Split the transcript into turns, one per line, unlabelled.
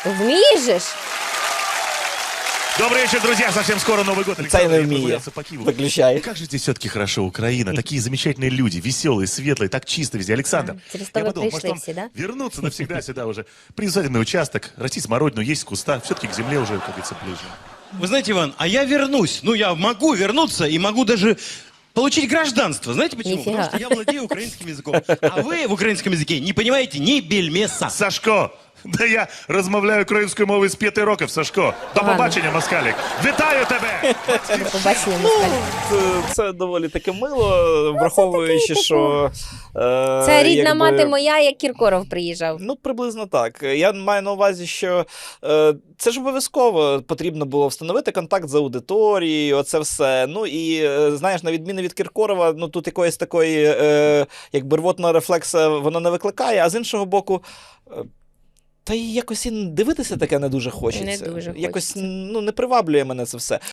Вмієш же ж?
Добрый вечер, друзья. Совсем скоро Новый год.
Це не
я
вміє.
прогулялся по Киеву.
Виключай.
Как же здесь все-таки хорошо, Украина. Такие замечательные люди, веселые, светлые, так чисто везде. Александр,
через
я
то вы
подумал, может,
пришли
вам
все, да?
вернуться навсегда сюда уже. Приусадебный участок, растить смородину, есть куста. Все-таки к земле уже, как говорится, ближе.
Вы знаете, Иван, а я вернусь. Ну, я могу вернуться и могу даже получить гражданство. Знаете почему?
Нифига.
Потому что я владею украинским языком. А вы в украинском языке не понимаете ни бельмеса.
Сашко! Да я розмовляю українською мовою з 5 років, Сашко. До
Ладно.
побачення, москалік. Вітаю тебе!
До побачення, москаль.
Це доволі таки мило, враховуючи, що...
Це рідна мати моя, як Кіркоров приїжджав.
Ну, приблизно так. Я маю на увазі, що це ж обов'язково потрібно було встановити контакт з аудиторією, оце все. Ну і, знаєш, на відміну від Кіркорова, ну тут якоїсь такої, якби рвотного рефлекса воно не викликає, а з іншого боку, та й якось і дивитися таке не дуже хочеться.
Не дуже
Якось,
хочеться.
ну, не приваблює мене це все.